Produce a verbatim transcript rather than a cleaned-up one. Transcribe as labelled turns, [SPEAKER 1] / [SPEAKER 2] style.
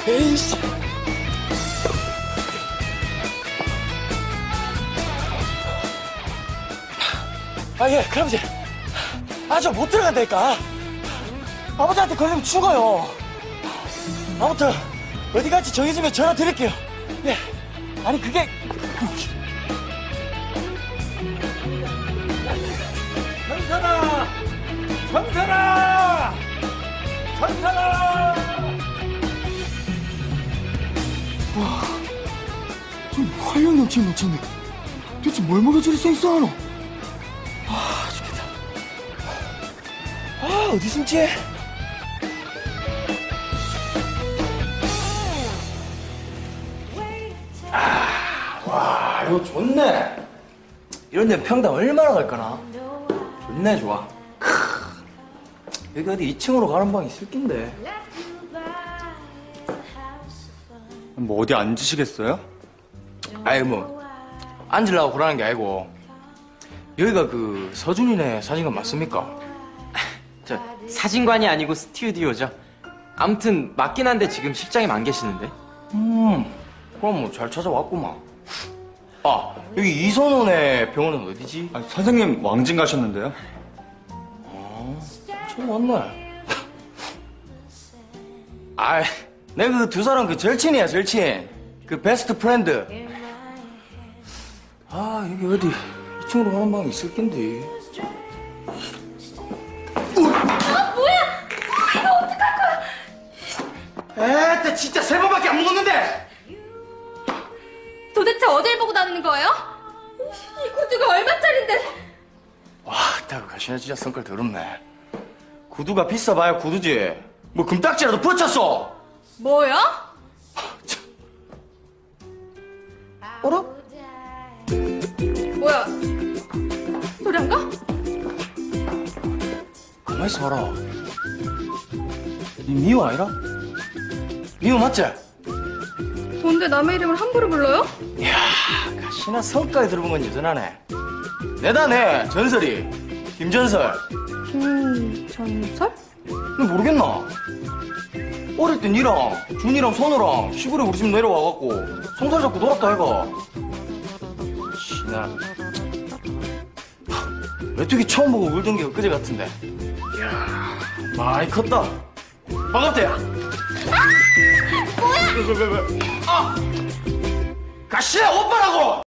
[SPEAKER 1] 에이씨. 아, 예, 그럼 이제. 아, 저 못 들어간다니까. 아버지한테 걸리면 죽어요. 아무튼, 어디 갈지 정해지면 전화 드릴게요. 예. 아니, 그게. 전사다! 전사다! 전사다! 와, 좀 활력 넘치는 놓쳤네. 도대체 뭘 먹여 저리 쌩쌩하노? 아, 죽겠다. 아, 어디 숨지? 아, 와, 이거 좋네. 이런 데 평당 얼마나 갈까나? 좋네, 좋아. 크, 여기 어디 이 층으로 가는 방이 있을 낀데.
[SPEAKER 2] 뭐 어디 앉으시겠어요?
[SPEAKER 1] 아이, 뭐, 앉으려고 그러는 게 아니고, 여기가 그 서준이네 사진관 맞습니까?
[SPEAKER 3] 저 사진관이 아니고 스튜디오죠. 아무튼 맞긴 한데 지금 실장님 안 계시는데.
[SPEAKER 1] 음, 그럼 뭐 잘 찾아왔구만. 아, 여기 이선원의 병원은 어디지?
[SPEAKER 2] 아, 선생님 왕진 가셨는데요.
[SPEAKER 1] 아, 처음 왔네. 아이, 내가 그 두 사람 그 절친이야, 절친. 그 베스트 프렌드. 아, 여기 어디 이 층으로 가는 방이 있을 낀데.
[SPEAKER 4] 아, 뭐야? 이거 어떡할 거야?
[SPEAKER 1] 에따, 진짜 세 번밖에 안 먹었는데!
[SPEAKER 4] 도대체 어딜 보고 다니는 거예요? 이 구두가 얼마짜린데?
[SPEAKER 1] 와, 딱 가시네 진짜 성깔 더럽네. 구두가 비싸봐야 구두지. 뭐 금딱지라도 붙였어.
[SPEAKER 4] 뭐요?
[SPEAKER 1] 어라?
[SPEAKER 4] 뭐야? 노래인가?
[SPEAKER 1] 가만히 있어봐라. 니 미호 아니라? 미호 맞지?
[SPEAKER 4] 뭔데 남의 이름을 함부로 불러요?
[SPEAKER 1] 이야, 가시나 성깔 들어본 건 여전하네. 내다 내 전설이 김전설.
[SPEAKER 4] 김전설?
[SPEAKER 1] 너 모르겠나? 어릴 때 니랑 준이랑 선우랑 시골에 우리 집 내려와갖고 손살 잡고 놀았다 해가. 신나. 메뚜기 처음 보고 울던 게 엊그제 같은데. 이야, 많이 컸다. 반갑다, 야. 아! 뭐야? 왜, 왜, 왜, 왜. 아! 가시야, 오빠라고!